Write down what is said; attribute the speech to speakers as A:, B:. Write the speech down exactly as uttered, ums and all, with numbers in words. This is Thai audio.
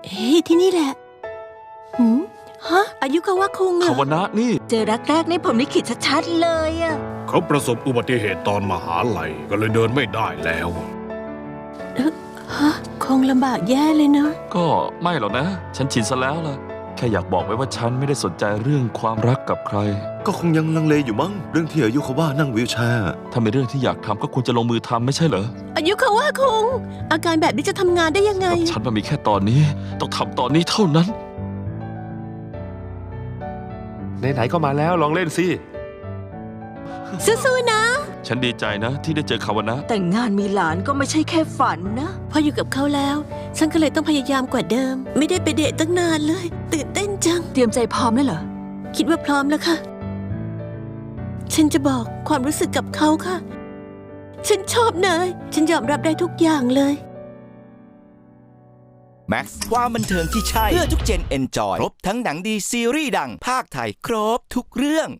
A: เฮ้ยที่นี่แหละหืมฮะอายุคาวะคุงอะ
B: คาวนะนี่
C: เจอรักแรกนี่ผมลิขิตชัดๆเลยอะ
D: เขาประสบอุบัติเหตุตอนมหาลัยก็เลยเดินไม่ได้แล้ว
A: ฮะคงลำบากแย่เลยเนาะ
B: ก็ไม่หรอกนะ ฉันชินซะแล้วล่ะแค่อยากบอกไว้ว่าฉันไม่ได้สนใจเรื่องความรักกับใคร
E: ก็คงยังลังเลอยู่มั้งเรื่องที่อายุเขาว่านั่งวีลแชร์
B: ถ้าเป็นเรื่องที่อยากทำก็ควรจะลงมือทำไม่ใช่เหรอ
A: อายุคาวะคุงอาการแบบนี้จะทำงานได้ยังไง
B: กับฉันมันมีแค่ตอนนี้ ต้องทำตอนนี้เท่านั้น
F: ไหนๆก็มาแล้วลองเล่นสิ
A: สู้ๆนะ
B: ฉันดีใจนะที่ได้เจอคาวนะ
C: แต่งงานมีหลานก็ไม่ใช่แค่ฝันนะ
A: พออยู่กับเขาแล้ว ฉันก็เลยต้องพยายามกว่าเดิม ไม่ได้ไปเดทตั้งนานเลย ตื่นเต้นจัง
C: เตรียมใจพร้อมแล้วเหรอ
A: คิดว่าพร้อมแล้วค่ะ ฉันจะบอกความรู้สึกกับเขาค่ะ ฉันชอบนาย ฉันยอมรับได้ทุกอย่างเลย
G: แม็กซ์ความบันเทิงที่ใช่ เพื่อทุกเจนเอนจอย ครบทั้งหนังดีซีรีส์ดังภาคไทย ครบทุกเรื่อง